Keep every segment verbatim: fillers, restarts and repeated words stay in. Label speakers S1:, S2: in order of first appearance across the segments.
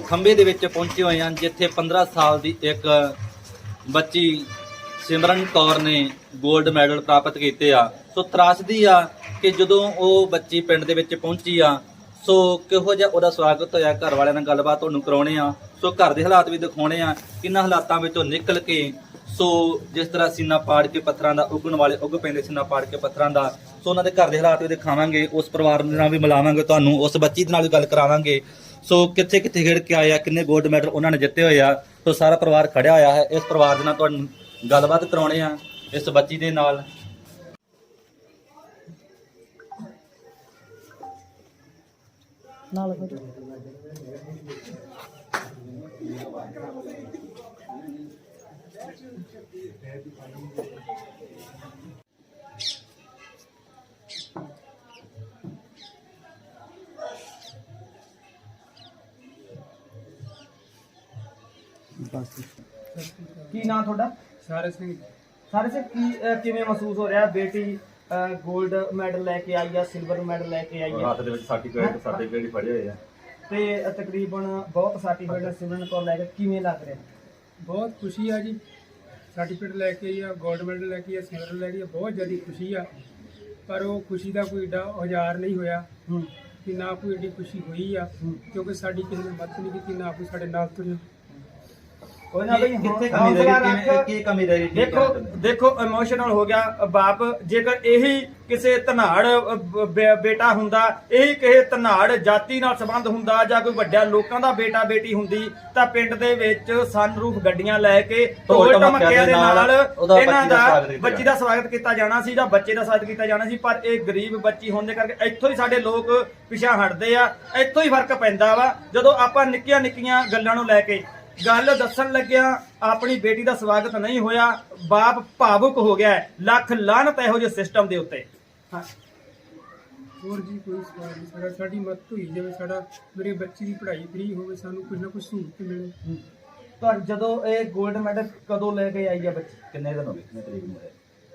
S1: ਖੰਭੇ ਦੇ ਵਿੱਚ ਪਹੁੰਚੇ ਹੋਏ ਹਾਂ, ਜਿੱਥੇ ਪੰਦਰਾਂ ਸਾਲ ਦੀ ਇੱਕ ਬੱਚੀ ਸਿਮਰਨ ਕੌਰ ਨੇ 골ਡ ਮੈਡਲ ਪ੍ਰਾਪਤ ਕੀਤੇ ਆ। ਸੋ ਤਰਾਸਦੀ ਆ ਕਿ ਜਦੋਂ ਉਹ ਬੱਚੀ ਪਿੰਡ ਦੇ ਵਿੱਚ ਪਹੁੰਚੀ ਆ, ਸੋ ਕਿਹੋ ਜਿਹਾ ਉਹਦਾ ਸਵਾਗਤ ਹੋਇਆ। ਘਰ ਵਾਲਿਆਂ ਨਾਲ ਗੱਲਬਾਤ ਤੁਹਾਨੂੰ ਕਰਾਉਣੇ ਆ, ਸੋ ਘਰ ਦੇ ਹਾਲਾਤ ਵੀ ਦਿਖਾਉਣੇ ਆ, ਕਿੰਨਾ ਹਾਲਾਤਾਂ ਵਿੱਚੋਂ ਨਿਕਲ ਕੇ ਸੋ ਜਿਸ ਤਰ੍ਹਾਂ ਸੀਨਾ ਪਾੜ ਕੇ ਪੱਥਰਾਂ ਦਾ ਉੱਗਣ ਵਾਲੇ ਉੱਗ ਪੈਂਦੇ ਸੀਨਾ ਪਾੜ ਕੇ ਪੱਥਰਾਂ ਦਾ, ਸੋ ਉਹਨਾਂ ਦੇ ਘਰ ਦੇ ਹਾਲਾਤ ਵੀ ਦਿਖਾਵਾਂਗੇ, ਉਸ ਪਰਿਵਾਰ ਨਾਲ ਵੀ ਮਿਲਾਵਾਂਗੇ ਤੁਹਾਨੂੰ, ਉਸ ਬੱਚੀ ਦੇ ਨਾਲ ਵੀ ਗੱਲ ਕਰਾਵਾਂਗੇ। ਸੋ ਕਿੱਥੇ ਕਿੱਥੇ ਖੇਡ ਕੇ ਆਏ ਆ, ਕਿੰਨੇ 골ਡ ਮੈਡਲ ਉਹਨਾਂ ਨੇ ਜਿੱਤੇ ਹੋਏ ਆ। ਸੋ ਸਾਰਾ ਪਰਿਵਾਰ ਖੜਿਆ ਹੋਇਆ ਹੈ। ਇਸ ਪਰਿਵਾਰ ਦੇ ਨਾਲ ਤੁਹਾਨੂੰ ਗੱਲਬਾਤ ਕਰਾਉਣੇ ਆ, ਇਸ ਬੱਚੀ ਦੇ ਨਾਲ। ਨਾਲ
S2: ਕੀ ਨਾਂ ਤੁਹਾਡਾ?
S3: ਸਾਰੇ ਸਿੰਘ।
S2: ਸਾਰੇ ਸੇ ਕੀ ਅਹ ਕਿਵੇਂ ਮਹਿਸੂਸ ਹੋ ਰਿਹਾ? ਬੇਟੀ 골ਡ ਮੈਡਲ ਲੈ ਕੇ ਆਈ ਆ, ਸਿਲਵਰ ਮੈਡਲ ਲੈ ਕੇ ਆਈ ਆ,
S1: ਹੱਥ ਦੇ ਵਿੱਚ ਸਰਟੀਫਿਕੇਟ ਸਰਟੀਫਿਕੇਟ ਫੜੇ ਹੋਏ ਆ,
S2: ਤੇ ਤਕਰੀਬਨ ਬਹੁਤ ਸਰਟੀਫਿਕੇਟ ਸਿਮਰਨ ਕੌਰ ਲੈ ਕੇ ਕਿਵੇਂ ਲੱਗ ਰਿਹਾ?
S3: ਬਹੁਤ ਖੁਸ਼ੀ ਆ ਜੀ, ਸਰਟੀਫਿਕੇਟ ਲੈ ਕੇ ਆਈ ਆ, 골ਡ ਮੈਡਲ ਲੈ ਕੇ ਆਈ ਆ, ਸਿਲਵਰ ਲੈ ਕੇ ਆਈ ਆ, ਬਹੁਤ ਜ਼ਿਆਦਾ ਖੁਸ਼ੀ ਆ। ਪਰ ਉਹ ਖੁਸ਼ੀ ਦਾ ਕੋਈ ਏਡਾ ਔਜ਼ਾਰ ਨਹੀਂ ਹੋਇਆ
S2: ਹੂੰ
S3: ਕਿ ਨਾ ਕੋਈ ਏਡੀ ਖੁਸ਼ੀ ਹੋਈ ਆ, ਕਿਉਂਕਿ ਸਾਡੀ ਕਿਸੇ ਨੇ ਮਦਦ ਨਹੀਂ ਕੀਤੀ, ਨਾ ਕੋਈ ਸਾਡੇ ਨਾਲ ਤੁਰਿਆ।
S2: ਕੋਈ ਨਾ ਬਈ,
S1: ਕਿੱਥੇ ਕਮੀ ਰਹਿ ਗਈ, ਕਿਵੇਂ ਕੀ ਕਮੀ ਰਹਿ ਗਈ?
S2: ਦੇਖੋ ਦੇਖੋ ਇਮੋਸ਼ਨਲ ਹੋ ਗਿਆ ਬਾਪ। ਜੇਕਰ ਇਹੀ ਕਿਸੇ ਧਨਾੜ ਅਹ, ਬੇ- ਬੇਟਾ ਹੁੰਦਾ, ਇਹੀ ਕਿਸੇ ਧਨਾੜ ਜਾਤੀ ਨਾਲ ਸੰਬੰਧ ਹੁੰਦਾ, ਜਾਂ ਕੋਈ ਵੱਡਿਆਂ ਲੋਕਾਂ ਦਾ ਬੇਟਾ ਬੇਟੀ ਹੁੰਦੀ, ਤਾਂ ਪਿੰਡ ਦੇ ਵਿੱਚ ਸਨਰੂਫ ਗੱਡੀਆਂ ਲੈ ਕੇ ਢੋਲ ਢਮੱਕਿਆਂ ਦੇ ਨਾਲ ਇਹਨਾਂ ਦਾ ਬੱਚੀ ਦਾ ਸਵਾਗਤ ਕੀਤਾ ਜਾਣਾ ਸੀ, ਜਾਂ ਬੱਚੇ ਦਾ ਸਵਾਗਤ ਕੀਤਾ ਜਾਣਾ ਸੀ। ਪਰ ਇਹ ਗਰੀਬ ਬੱਚੀ ਹੋਣ ਦੇ ਕਰਕੇ ਇੱਥੋਂ ਹੀ ਸਾਡੇ ਲੋਕ ਪਿਛਾ ਹਟਦੇ ਆ, ਇੱਥੋਂ ਹੀ ਫਰਕ ਪੈਂਦਾ ਵਾ। ਜਦੋਂ ਆਪਾਂ ਨਿੱਕੀਆਂ ਨਿੱਕੀਆਂ ਗੱਲਾਂ ਨੂੰ ਲੈ ਕੇ ਗੱਲ ਦੱਸਣ ਲੱਗਿਆ, ਆਪਣੀ ਬੇਟੀ ਦਾ ਸਵਾਗਤ ਨਹੀਂ ਹੋਇਆ, ਬਾਪ ਭਾਵੁਕ ਹੋ ਗਿਆ। ਲੱਖ ਲਾਹਨਤ ਇਹੋ ਜਿਹੇ ਸਿਸਟਮ ਦੇ ਉੱਤੇ। ਹਾਂ
S3: ਹੋਰ ਜੀ ਕੋਈ ਸਵਾਲ ਨਹੀਂ ਸਾਡਾ, ਸਾਡੀ ਮਦਦ ਹੋਈ ਜਾਵੇ, ਸਾਡਾ ਮੇਰੇ ਬੱਚੇ ਦੀ ਪੜ੍ਹਾਈ ਫ੍ਰੀ ਹੋਵੇ, ਸਾਨੂੰ ਕੁਝ ਨਾ ਕੁਝ ਸਹੂਲਤ ਮਿਲੇ।
S2: ਤਾਂ ਜਦੋਂ ਇਹ 골ਡ ਮੈਡਲ ਕਦੋਂ ਲੈ ਕੇ ਆਈ ਆ ਬੱਚੀ?
S1: ਕਿੰਨੇ ਦਿਨ ਹੋ ਗਏ, ਕਿੰਨੇ ਤਰੀਕ ਨੂੰ ਹੋਇਆ?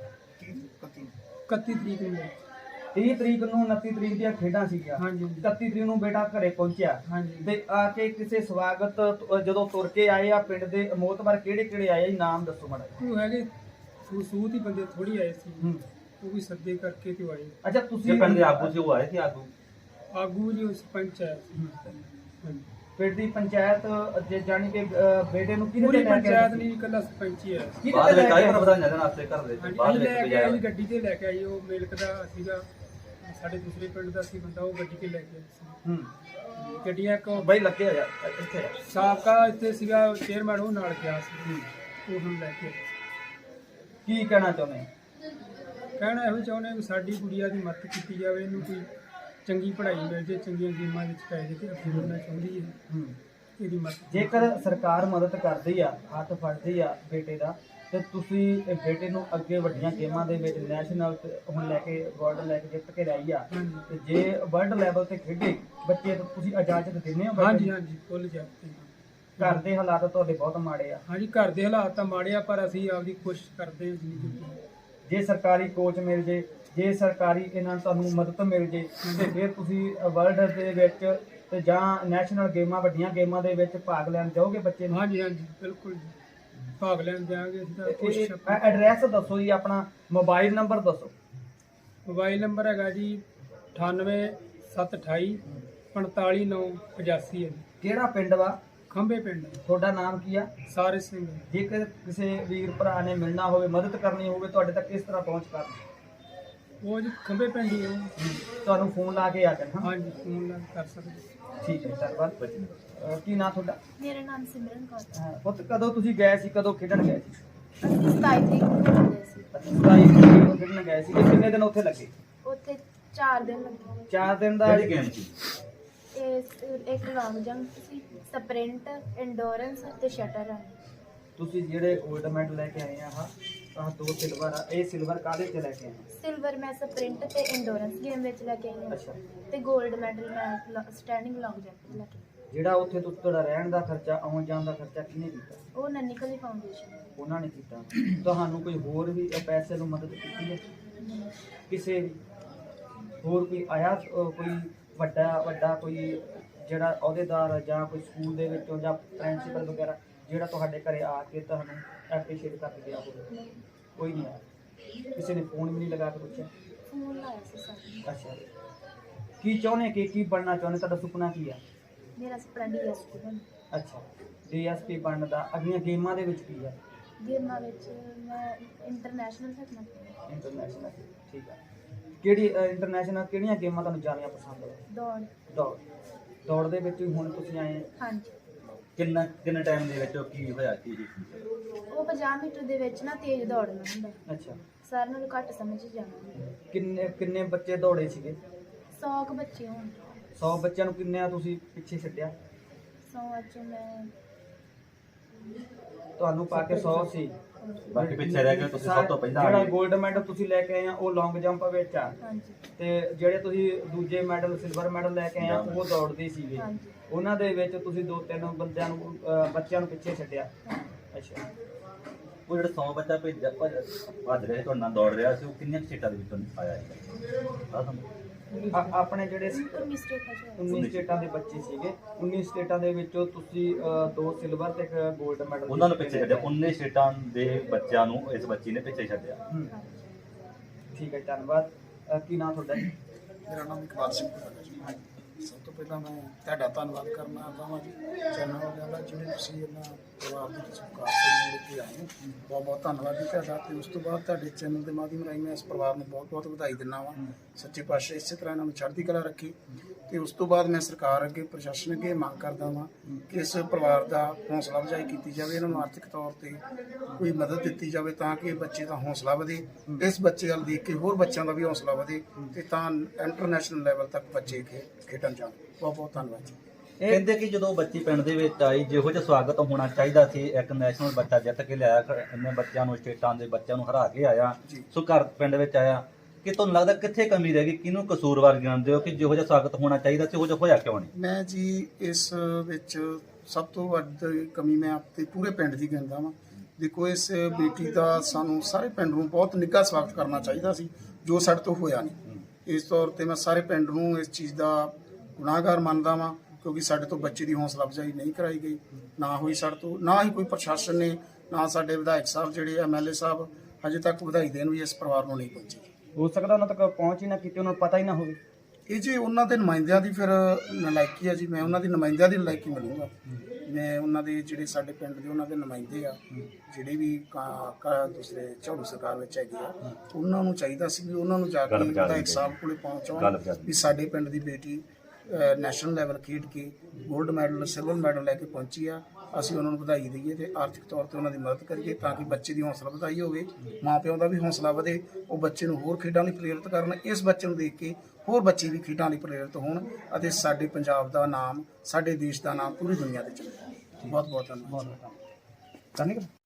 S3: ਇਕੱਤੀ ਤਰੀਕ ਨੂੰ ਹੋਇਆ।
S2: ਤੀਹ ਤਰੀਕ ਨੂੰ ਉਨੱਤੀ ਤਰੀਕ ਦੀਆਂ ਖੇਡਾਂ ਸੀਗੀਆਂ।
S3: ਹਾਂਜੀ
S2: ਇਕੱਤੀ ਤਰੀਕ ਨੂੰ ਬੇਟਾ ਘਰੇ ਪਹੁੰਚਿਆ,
S3: ਹਾਂਜੀ।
S2: ਤੇ ਆ ਕੇ ਕਿਸੇ ਸਵਾਗਤ ਤ- ਜਦੋਂ ਤੁਰ ਕੇ ਆਏ ਆ, ਪਿੰਡ ਦੇ ਮੋਤਬਰ ਕਿਹੜੇ ਕਿਹੜੇ ਆਏ ਜੀ? ਨਾਮ ਦੱਸੋ ਮਾੜਾ ਜਿਹਾ।
S3: ਉਹ ਹੈਗੇ ਸੂਤ ਹੀ ਬੰਦੇ ਥੋੜੀ ਆਏ ਸੀ,
S2: ਹੂੰ
S3: ਉਹ ਵੀ ਸੱਦੇ ਕਰਕੇ ਤੇ ਉਹ ਆਏ।
S2: ਅੱਛਾ,
S1: ਜੇ
S2: ਤੁਸੀਂ
S1: ਪਿੰਡ ਦੇ ਆਗੂ ਸੀ, ਉਹ ਆਏ ਸੀ ਆਗੂ?
S3: ਆਗੂ ਜੀ ਉਹ ਸਰਪੰਚ ਆਇਆ ਸੀ।
S2: ਹੂੰ।
S3: ਹਾਂਜੀ।
S2: ਪਿੰਡ ਦੀ ਪੰਚਾਇਤ ਜੇ ਜਾਣੀ ਕਿ ਅ, ਬੇਟੇ ਨੂੰ ਕਿਹਦੇ
S3: ਪੂਰੀ
S2: ਤੇ ਲੈ ਕੇ
S3: ਪੰਚਾਇਤ
S2: ਆਏ ਸੀ?
S3: ਨਹੀਂ, ਇਕੱਲਾ ਸਰਪੰਚ ਹੀ ਆਇਆ ਸੀ।
S2: ਕਿਹਦੇ
S1: ਬਾਅਦ
S2: ਤੇ
S1: ਵਿੱਚ
S2: ਲੈ
S1: ਆਏ
S2: ਕੇ
S1: ਪਰ ਵਧਾਈਆਂ ਦੇਣ ਵਾਸਤੇ ਘਰ ਦੇ
S3: ਹਾਂਜੀ,
S1: ਬਾਅਦ
S3: ਅਸੀਂ
S1: ਵਿੱਚ
S3: ਲੈ ਕੇ
S1: ਬਜਾਏ
S3: ਆਏ, ਗੱਡੀ ਤੇ ਲੈ ਕੇ ਆਈ। ਉਹ ਮੇਲਕ ਦਾ ਸੀਗਾ, ਸਾਡੇ ਦੂਸਰੇ ਪਿੰਡ ਦਾ ਸੀ ਬੰਦਾ, ਉਹ ਗੱਡੀ ਤੇ ਲੈ ਕੇ ਆਇਆ ਸੀ।
S2: ਹੂੰ
S3: ਗੱਡੀਆਂ ਇੱਕ
S2: ਬਈ ਲੱਗੇ ਹੋਇਆ ਇੱਥੇ ਆ।
S3: ਸਾਬਕਾ ਇੱਥੇ ਸੀਗਾ ਚੇਅਰਮੈਨ, ਉਹ ਨਾਲ ਗਿਆ ਸੀ, ਉਹ ਹੁਣ ਲੈ ਕੇ ਆਇਆ।
S2: ਕੀ ਕਹਿਣਾ ਚਾਹੁੰਦੇ ਆ?
S3: ਕਹਿਣਾ ਇਹੋ ਚਾਹੁੰਦੇ ਹਾਂ ਕਿ ਸਾਡੀ ਗੁੜੀਆ ਦੀ ਮਦਦ ਕੀਤੀ ਜਾਵੇ, ਇਹਨੂੰ ਕੋਈ ਚੰਗੀ ਪੜ੍ਹਾਈ ਮਿਲ ਜੇ, ਚੰਗੀਆਂ ਗੇਮਾਂ ਵਿੱਚ ਪੈ ਜੇ, ਤੇ ਅੱਗੇ ਵਧਣਾ ਚਾਹੁੰਦੀ ਹੈ,
S2: ਹੂੰ
S3: ਇਹਦੀ ਮਦਦ।
S2: ਜੇਕਰ ਸਰਕਾਰ ਮਦਦ ਕਰਦੀ ਆ, ਹੱਥ ਫੜਦੀ ਆ ਬੇਟੇ ਦਾ, ਤੇ ਤੁਸੀਂ ਇਹ ਬੇਟੇ ਨੂੰ ਅੱਗੇ ਵੱਡੀਆਂ ਗੇਮਾਂ ਦੇ ਵਿੱਚ ਨੈਸ਼ਨਲ ਤੇ ਹੁਣ ਲੈ ਕੇ ਗੋਲਡ ਲੈ ਕੇ ਜਿੱਤ ਕੇ ਰਹੀ ਆ,
S3: ਹਾਂਜੀ
S2: ਤੇ ਜੇ ਵਰਲਡ ਲੈਵਲ ਤੇ ਖੇਡੇ ਬੱਚੇ, ਤਾਂ ਤੁਸੀਂ ਇਜਾਜ਼ਤ ਦਿੰਦੇ ਹੋ ਬੱਚੇ
S3: ਹਾਂਜੀ
S2: ਨੂੰ?
S3: ਹਾਂਜੀ ਫੁੱਲ ਜਾਪਦੇ
S2: ਘਰ ਦੇ ਹਾਲਾਤ ਤੁਹਾਡੇ ਬਹੁਤ ਮਾੜੇ ਆ।
S3: ਹਾਂਜੀ, ਘਰ ਦੇ ਹਾਲਾਤ ਤਾਂ ਮਾੜੇ ਆ, ਪਰ ਅਸੀਂ ਆਪਦੀ ਕੋਸ਼ਿਸ਼ ਕਰਦੇ ਹਾਂ ਜਿੰਨੀ ਕੀਤੀ।
S2: ਜੇ ਸਰਕਾਰੀ ਕੋਚ ਮਿਲ ਜੇ, ਜੇ ਸਰਕਾਰੀ ਇਹਨਾਂ ਨੂੰ ਤੁਹਾਨੂੰ ਮਦਦ ਮਿਲ ਜੇ, ਤੇ ਫਿਰ ਤੁਸੀਂ ਵਰਲਡ ਦੇ ਵਿੱਚ ਤੇ ਜਾਂ ਨੈਸ਼ਨਲ ਗੇਮਾਂ ਵੱਡੀਆਂ ਗੇਮਾਂ ਦੇ ਵਿੱਚ ਭਾਗ ਲੈਣ ਜਾਓਗੇ ਬੱਚੇ ਨੂੰ?
S3: ਹਾਂਜੀ ਹਾਂਜੀ ਬਿਲਕੁਲ ਜੀ, ਭਾਗ ਲੈਣ ਜਾਵਾਂਗੇ ਅਸੀਂ ਤਾਂ ਕੋਸ਼ਿਸ਼।
S2: ਐਡਰੈਸ ਦੱਸੋ ਜੀ, ਆਪਣਾ ਮੋਬਾਈਲ ਨੰਬਰ ਦੱਸੋ।
S3: ਮੋਬਾਈਲ ਨੰਬਰ ਹੈਗਾ ਜੀ ਅਠਾਨਵੇਂ ਸੱਤ ਅਠਾਈ ਪੰਤਾਲੀ ਨੌ ਪਚਾਸੀ ਹੈ ਜੀ।
S2: ਕਿਹੜਾ ਪਿੰਡ ਵਾ?
S3: ਖੰਬੇ ਪਿੰਡ,
S2: ਤੁਹਾਡਾ ਨਾਮ ਕੀ ਆ?
S3: ਸਾਰੇ ਸਿੰਘ।
S2: ਜੇਕਰ ਕਿਸੇ ਵੀਰ ਭਰਾ ਨੇ ਮਿਲਣਾ ਹੋਵੇ, ਮਦਦ ਕਰਨੀ ਹੋਵੇ, ਤੁਹਾਡੇ ਤੱਕ ਕਿਸ ਤਰ੍ਹਾਂ ਪਹੁੰਚ ਕਰਨ?
S3: ਉਹ ਜੀ ਖੰਬੇ ਪਿੰਡ ਹੀ ਆ ਉਹ।
S2: ਤੁਹਾਨੂੰ ਫੋਨ ਲਾ ਕੇ ਆ ਜਾਣਾ।
S3: ਹਾਂਜੀ ਫੋਨ ਨਾਲ ਕਰ ਸਕਦੇ।
S2: ਠੀਕ ਹੈ, ਧੰਨਵਾਦ। ਅਹ ਕੀ ਨਾਂ ਤੁਹਾਡਾ?
S4: ਮੇਰਾ ਨਾਮ ਸਿਮਰਨ ਕੌਰ ਹੈ।
S2: ਅਹ ਪੁੱਤ, ਕਦੋਂ ਤੁਸੀਂ ਗਏ ਸੀ, ਕਦੋਂ ਖੇਡਣ ਗਏ ਸੀ?
S4: ਅਸੀਂ ਸਤਾਈ ਤਰੀਕ ਨੂੰ ਜਾਂਦੇ ਸੀ।
S2: ਸਤਾਈ ਤਰੀਕ ਨੂੰ ਖੇਡਣ ਗਏ ਸੀ। ਕਿੰਨੇ ਦਿਨ ਉੱਥੇ ਲੱਗੇ?
S4: ਉੱਥੇ ਚਾਰ ਦਿਨ ਲੱਗੇ।
S2: ਚਾਰ ਦਿਨ ਦਾ।
S1: ਕਿਹੜੀ ਗੇਮ ਸੀ?
S4: ਇਹ ਇੱਕ ਲੌਂਗ ਜੰਪ ਸੀ, ਸਪ੍ਰਿੰਟ, ਇੰਡੋਰੈਂਸ ਤੇ ਸ਼ਟਰ ਹੈ।
S2: ਤੁਸੀਂ ਜਿਹੜੇ 골ਡ ਮੈਡਲ ਲੈ ਕੇ ਆਏ ਆ, ਆਹ ਆਹ ਦੋ ਸਿਲਵਰ ਆ, ਇਹ ਸਿਲਵਰ ਕਾਹਦੇ ਚ ਲੈ ਕੇ ਆਏ ਆ?
S4: ਸਿਲਵਰ ਮੈਂ ਸਪ੍ਰਿੰਟ ਤੇ ਇੰਡੋਰੈਂਸ ਗੇਮ ਵਿੱਚ ਲੈ ਕੇ ਆਈ ਹਾਂ,
S2: ਅੱਛਾ।
S4: ਤੇ 골ਡ ਮੈਡਲ ਮੈਂ ਸਟੈਂਡਿੰਗ ਲੌਂਗ ਜੰਪ ਲੈ ਕੇ ਆਈ।
S2: ਜਿਹੜਾ ਉੱਥੇ ਤੁ- ਤੁਹਾਡਾ ਰਹਿਣ ਦਾ ਖਰਚਾ, ਆਉਣ ਜਾਣ ਦਾ ਖਰਚਾ ਕਿਹਨੇ ਕੀਤਾ?
S4: ਉਹ ਨੰਨਿਕਲੀ ਫਾਊਂਡੇਸ਼ਨ।
S2: ਉਹਨਾਂ ਨੇ ਕੀਤਾ। ਤੁਹਾਨੂੰ ਕੋਈ ਹੋਰ ਵੀ ਪੈਸੇ ਨੂੰ ਮਦਦ ਕੀਤੀ ਹੈ? ਕਿਸੇ ਵੀ ਹੋਰ ਕੋਈ ਆਇਆ? ਅਹ ਕੋਈ ਵੱਡਾ ਵੱਡਾ ਕੋਈ ਜਿਹੜਾ ਅਹੁਦੇਦਾਰ ਜਾਂ ਕੋਈ ਸਕੂਲ ਦੇ ਵਿੱਚੋਂ ਜਾਂ ਪ੍ਰਿੰਸੀਪਲ ਵਗੈਰਾ ਜਿਹੜਾ ਤੁਹਾਡੇ ਘਰੇ ਆ ਕੇ ਤੁਹਾਨੂੰ ਐਪਰੀਸ਼ੀਏਟ ਕਰਕੇ ਗਿਆ ਹੋਵੇ?
S4: ਨਹੀਂ,
S2: ਕੋਈ ਨਹੀਂ ਆਇਆ? ਕਿਸੇ ਨੇ ਫੋਨ ਵੀ ਨਹੀਂ ਲਗਾ ਕੇ ਪੁੱਛਿਆ?
S4: ਫੋਨ ਲਾਇਆ ਸੀ ਸਾਨੂੰ।
S2: ਅੱਛਾ, ਕੀ ਚਾਹੁੰਦੇ ਕਿ ਕੀ ਬਣਨਾ ਚਾਹੁੰਦੇ, ਤੁਹਾਡਾ ਸੁਪਨਾ ਕੀ ਆ?
S4: ਮੇਰਾ ਸੁਪਨਾ ਡੀਐਸਪੀ ਬਣ।
S2: ਅੱਛਾ, ਡੀਐਸਪੀ ਬਣਨ ਦਾ। ਅਗਲੀਆਂ ਗੇਮਾਂ ਦੇ ਵਿੱਚ ਕੀ ਆ?
S4: ਗੇਮਾਂ ਵਿੱਚ ਮੈਂ ਇੰਟਰਨੈਸ਼ਨਲ ਖੇਡਣਾ ਚਾਹੁੰਦੀ
S2: ਇੰਟਰਨੈਸ਼ਨਲ, ਠੀਕ ਆ। ਕਿਹੜੀ ਇੰਟਰਨੈਸ਼ਨਲ ਕਿਹੜੀਆਂ ਗੇਮਾਂ ਤੁਹਾਨੂੰ ਜ਼ਿਆਦਾ ਪਸੰਦ ਆ?
S4: ਦੌੜ।
S2: ਦੌੜ। ਦੌੜ ਦੇ ਵਿੱਚ ਵੀ ਹੁਣ ਤੁਸੀਂ ਆਏ?
S4: ਹਾਂਜੀ।
S1: ਕਿੰਨਾ ਕਿੰਨੇ ਟਾਈਮ ਦੇ ਵਿੱਚ ਉਹ ਕੀ ਹੋਇਆ ਕੀ ਜੀ?
S4: ਉਹ ਪੰਜਾਹ ਮੀਟਰ ਦੇ ਵਿੱਚ ਨਾ ਤੇਜ਼ ਦੌੜਨਾ ਹੁੰਦਾ,
S2: ਅੱਛਾ,
S4: ਸਾਰਿਆਂ ਨਾਲੋਂ ਘੱਟ ਸਮਝ 'ਚ ਜਾਣਾ।
S2: ਕਿੰਨੇ ਕਿੰਨੇ ਬੱਚੇ ਦੌੜੇ ਸੀਗੇ?
S4: ਸੌ ਕੁ ਬੱਚੇ ਹੋਣ।
S2: ਸੌ ਬੱਚਿਆਂ ਨੂੰ ਕਿੰਨਿਆਂ ਤੁਸੀਂ ਪਿੱਛੇ ਛੱਡਿਆ?
S4: ਸੌ ਚ ਮੈਂ
S2: ਤੁਹਾਨੂੰ ਪਾ ਕੇ ਸੌ ਸੀ,
S1: ਬਾਕੀ ਪਿੱਛੇ ਰਹਿ ਗਏ ਤੁਸੀਂ ਸਭ ਤੋਂ ਪਹਿਲਾਂ
S2: ਜਿਹੜਾ
S1: ਆਏ।
S2: 골ਡ ਮੈਡਲ ਤੁਸੀਂ ਲੈ ਕੇ ਆਏ ਆ ਉਹ ਲੌਂਗ ਜੰਪ ਵਿੱਚ ਆ,
S4: ਹਾਂਜੀ।
S2: ਤੇ ਜਿਹੜੇ ਤੁਸੀਂ ਦੂਜੇ ਮੈਡਲ ਸਿਲਵਰ ਮੈਡਲ ਲੈ ਕੇ ਆਏ ਆ ਉਹ ਦੌੜਦੇ ਸੀਗੇ।
S4: ਹਾਂਜੀ।
S2: ਉਹਨਾਂ ਦੇ ਵਿੱਚ ਤੁਸੀਂ ਦੋ ਤਿੰਨ ਬੰਦਿਆਂ ਨੂੰ ਅਹ ਬੱਚਿਆਂ ਨੂੰ ਪਿੱਛੇ ਛੱਡਿਆ।
S4: ਹਾਂਜੀ।
S2: ਅੱਛਾ,
S1: ਉਹ ਜਿਹੜਾ ਸੌ ਬੱਚਾ ਭੇਜਿਆ ਭੱਜ ਭੱਜ ਰਿਹਾ ਸੀ ਤੁਹਾਡੇ ਨਾਲ ਦੌੜ ਰਿਹਾ ਸੀ, ਉਹ ਕਿੰਨੀਆਂ ਕੁ ਸੀਟਾਂ ਦੇ ਵਿੱਚੋਂ ਆਇਆ ਸੀ? ਆਹ ਤੁਹਾਨੂੰ
S2: ਆ- ਆਪਣੇ ਜਿਹੜੇ
S4: ਉੱਨੀ ਸਟੇਟਾਂ 'ਚ ਹੋਇਆ।
S2: ਉੱਨੀ ਸਟੇਟਾਂ ਦੇ ਬੱਚੇ ਸੀਗੇ, ਉੱਨੀ ਸਟੇਟਾਂ ਦੇ ਵਿੱਚੋਂ ਤੁਸੀਂ ਅਹ, ਦੋ ਸਿਲਵਰ ਤੇ ਇੱਕ 골ਡ ਮੈਡਲ
S1: ਉਹਨਾਂ ਨੂੰ ਪਿੱਛੇ ਛੱਡਿਆ, ਉੱਨੀ ਸਟੇਟਾਂ ਦੇ ਬੱਚਿਆਂ ਨੂੰ ਇਸ ਬੱਚੀ ਨੇ ਪਿੱਛੇ ਛੱਡਿਆ।
S2: ਹੂੰ,
S4: ਹਾਂਜੀ।
S2: ਠੀਕ ਹੈ, ਧੰਨਵਾਦ। ਅਹ, ਕੀ ਨਾਮ ਤੁਹਾਡਾ ਜੀ?
S5: ਮੇਰਾ ਨਾਮ ਇਕਬਾਲ ਸਿੰਘ ਹੈ ਜੀ। ਸਭ ਤੋਂ ਪਹਿਲਾਂ ਮੈਂ ਤੁਹਾਡਾ ਧੰਨਵਾਦ ਕਰਨਾ ਚਾਹੁੰਦਾ ਜੀ ਚੈਨਲ ਵਾਲਿਆਂ ਦਾ, ਜਿਹੜੇ ਤੁਸੀਂ ਇਹਨਾਂ ਪਰਿਵਾਰ ਦੀ ਸਤਿਕਾਰ ਤੋਂ ਲੈ ਕੇ ਆਏ ਹੋ। ਬਹੁਤ ਬਹੁਤ ਧੰਨਵਾਦ ਜੀ ਤੁਹਾਡਾ। ਤੇ ਉਸ ਤੋਂ ਬਾਅਦ ਤੁਹਾਡੇ ਚੈਨਲ ਦੇ ਮਾਧਿਅਮ ਰਾਹੀਂ ਮੈਂ ਇਸ ਪਰਿਵਾਰ ਨੂੰ ਬਹੁਤ ਬਹੁਤ ਵਧਾਈ ਦਿੰਦਾ ਵਾਂ। ਸੱਚੇ ਪਾਤਸ਼ਾਹ ਇਸੇ ਤਰ੍ਹਾਂ ਇਹਨਾਂ ਨੂੰ ਚੜ੍ਹਦੀ ਕਲਾ ਰੱਖੀ। ਤੇ ਉਸ ਤੋਂ ਬਾਅਦ ਮੈਂ ਸਰਕਾਰ ਅੱਗੇ, ਪ੍ਰਸ਼ਾਸਨ ਅੱਗੇ ਮੰਗ ਕਰਦਾ ਵਾਂ ਕਿ ਇਸ ਪਰਿਵਾਰ ਦਾ ਹੌਸਲਾ ਅਫਜ਼ਾਈ ਕੀਤੀ ਜਾਵੇ, ਇਹਨਾਂ ਨੂੰ ਆਰਥਿਕ ਤੌਰ ਤੇ ਕੋਈ ਮਦਦ ਦਿੱਤੀ ਜਾਵੇ ਤਾਂ ਕਿ ਬੱਚੇ ਦਾ ਹੌਸਲਾ ਵਧੇ। ਇਸ ਬੱਚੇ ਵੱਲ ਦੇਖ ਕੇ ਹੋਰ ਬੱਚਿਆਂ ਦਾ ਵੀ ਹੌਸਲਾ ਵਧੇ ਤੇ ਤਾਂ ਇੰਟਰਨੈਸ਼ਨਲ ਲੈਵਲ ਤੱਕ ਬੱਚੇ ਖੇ ਖੇਡਣ ਜਾਣ। ਬਹੁਤ ਬਹੁਤ ਧੰਨਵਾਦ ਜੀ।
S1: ਕਹਿੰਦੇ ਕਿ ਜਦੋਂ ਬੱਚੀ ਪਿੰਡ ਦੇ ਵਿੱਚ ਆਈ, ਜਿਹੋ ਜਿਹਾ ਸਵਾਗਤ ਹੋਣਾ ਚਾਹੀਦਾ ਸੀ, ਇੱਕ ਨੈਸ਼ਨਲ ਬੱਚਾ ਜਿੱਤ ਕੇ ਲਿਆਇਆ, ਇੰਨੇ ਬੱਚਿਆਂ ਨੂੰ, ਸਟੇਟਾਂ ਦੇ ਬੱਚਿਆਂ ਨੂੰ ਹਰਾ ਕੇ ਆਇਆ,
S5: ਜੀ।
S1: ਸੋ ਘਰ ਪਿੰਡ ਵਿੱਚ ਆਇਆ, ਕਿ ਤੁਹਾਨੂੰ ਲੱਗਦਾ ਕਿੱਥੇ ਕਮੀ ਰਹਿ ਗਈ? ਕਿਹਨੂੰ ਕਸੂਰਵਾਰ ਗਿਣਦੇ ਹੋ ਕਿ ਜਿਹੋ ਜਿਹਾ ਸਵਾਗਤ ਹੋਣਾ ਚਾਹੀਦਾ ਸੀ ਉਹ ਜਿਹਾ ਹੋਇਆ ਕਿਉਂ ਨਹੀਂ?
S5: ਮੈਂ ਜੀ ਇਸ ਵਿੱਚ ਸਭ ਤੋਂ ਵੱਧ ਕਮੀ ਮੈਂ ਆਪਣੇ ਪੂਰੇ ਪਿੰਡ ਦੀ ਗਿਣਦਾ ਵਾਂ। ਦੇਖੋ, ਇਸ ਬੇਟੀ ਦਾ ਸਾਨੂੰ ਸਾਰੇ ਪਿੰਡ ਨੂੰ ਬਹੁਤ ਨਿੱਘਾ ਸਵਾਗਤ ਕਰਨਾ ਚਾਹੀਦਾ ਸੀ, ਜੋ ਸਾਡੇ ਤੋਂ ਹੋਇਆ ਨਹੀਂ। ਇਸ ਤੌਰ ਤੇ ਮੈਂ ਸਾਰੇ ਪਿੰਡ ਨੂੰ ਇਸ ਚੀਜ਼ ਦਾ ਗੁਨਾਹਗਾਰ ਮੰਨਦਾ ਵਾਂ, ਕਿਉਂਕਿ ਸਾਡੇ ਤੋਂ ਬੱਚੇ ਦੀ ਹੌਸਲਾ ਅਫਜ਼ਾਈ ਨਹੀਂ ਕਰਾਈ ਗਈ, ਨਾ ਹੋਈ ਸਾਡੇ ਤੋਂ, ਨਾ ਹੀ ਕੋਈ ਪ੍ਰਸ਼ਾਸਨ ਨੇ, ਨਾ ਸਾਡੇ ਵਿਧਾਇਕ ਸਾਹਿਬ ਜਿਹੜੇ ਐਮ ਐਲ ਏ ਸਾਹਿਬ ਹਜੇ ਤੱਕ ਵਧਾਈ ਦੇਣ ਵੀ ਇਸ ਪਰਿਵਾਰ ਨੂੰ ਨਹੀਂ ਪਹੁੰਚੀ।
S2: ਹੋ ਸਕਦਾ ਉਹਨਾਂ ਤੱਕ ਪਹੁੰਚ ਹੀ ਨਾ ਕੀਤੀ, ਉਹਨਾਂ ਨੂੰ ਪਤਾ ਹੀ ਨਾ ਹੋਵੇ।
S5: ਇਹ ਜੀ ਉਹਨਾਂ ਦੇ ਨੁਮਾਇੰਦਿਆਂ ਦੀ ਫਿਰ ਨਲਾਇਕੀ ਆ ਜੀ। ਮੈਂ ਉਹਨਾਂ ਦੀ ਨੁਮਾਇੰਦਿਆਂ ਦੀ ਨਲਾਇਕੀ ਮੰਨੂਗਾ। ਮੈਂ ਉਹਨਾਂ ਦੇ ਜਿਹੜੇ ਸਾਡੇ ਪਿੰਡ ਦੇ ਉਹਨਾਂ ਦੇ ਨੁਮਾਇੰਦੇ ਆ, ਜਿਹੜੇ ਵੀ ਕਾ- ਕਾ- ਦੂਸਰੇ ਝਾੜੂ ਸਰਕਾਰ ਵਿੱਚ ਹੈਗੇ ਆ, ਉਹਨਾਂ ਨੂੰ ਚਾਹੀਦਾ ਸੀ ਵੀ ਉਹਨਾਂ ਨੂੰ ਜਾ ਕੇ
S1: ਗੱਲ ਪਹੁੰਚਾ
S5: ਵਿਧਾਇਕ
S1: ਦਿੰਦੇ।
S5: ਸਾਹਿਬ ਕੋਲੇ
S1: ਗੱਲ
S5: ਪਹੁੰਚਾਉਣ
S1: ਪਹੁੰਚਾ ਦਿੰਦੇ।
S5: ਵੀ ਸਾਡੇ ਪਿੰਡ ਦੀ ਬੇਟੀ ਨੈਸ਼ਨਲ ਲੈਵਲ ਖੇਡ ਕੇ 골ਡ ਮੈਡਲ, ਸਿਲਵਰ ਮੈਡਲ ਲੈ ਕੇ ਪਹੁੰਚੀ ਆ। ਅਸੀਂ ਉਹਨਾਂ ਨੂੰ ਵਧਾਈ ਦਈਏ ਤੇ ਆਰਥਿਕ ਤੌਰ ਤੇ ਉਹਨਾਂ ਦੀ ਮਦਦ ਕਰੀਏ ਤਾਂ ਕਿ ਬੱਚੇ ਦੀ ਹੌਸਲਾ ਵਧਾਈ ਹੋਵੇ, ਮਾਂ ਪਿਓ ਦਾ ਵੀ ਹੌਸਲਾ ਵਧੇ, ਉਹ ਬੱਚੇ ਨੂੰ ਹੋਰ ਖੇਡਾਂ ਲਈ ਪ੍ਰੇਰਿਤ ਕਰਨ। ਇਸ ਬੱਚੇ ਨੂੰ ਦੇਖ ਕੇ ਹੋਰ ਬੱਚੇ ਵੀ ਖੇਡਾਂ ਲਈ ਪ੍ਰੇਰਿਤ ਹੋਣ ਅਤੇ ਸਾਡੇ ਪੰਜਾਬ ਦਾ ਨਾਮ, ਸਾਡੇ ਦੇਸ਼ ਦਾ ਨਾਮ ਪੂਰੀ ਦੁਨੀਆ ਤੇ ਚੱਲੇ। ਬਹੁਤ ਬਹੁਤ ਧੰਨਵਾਦ।
S2: ਧੰਨਵਾਦ।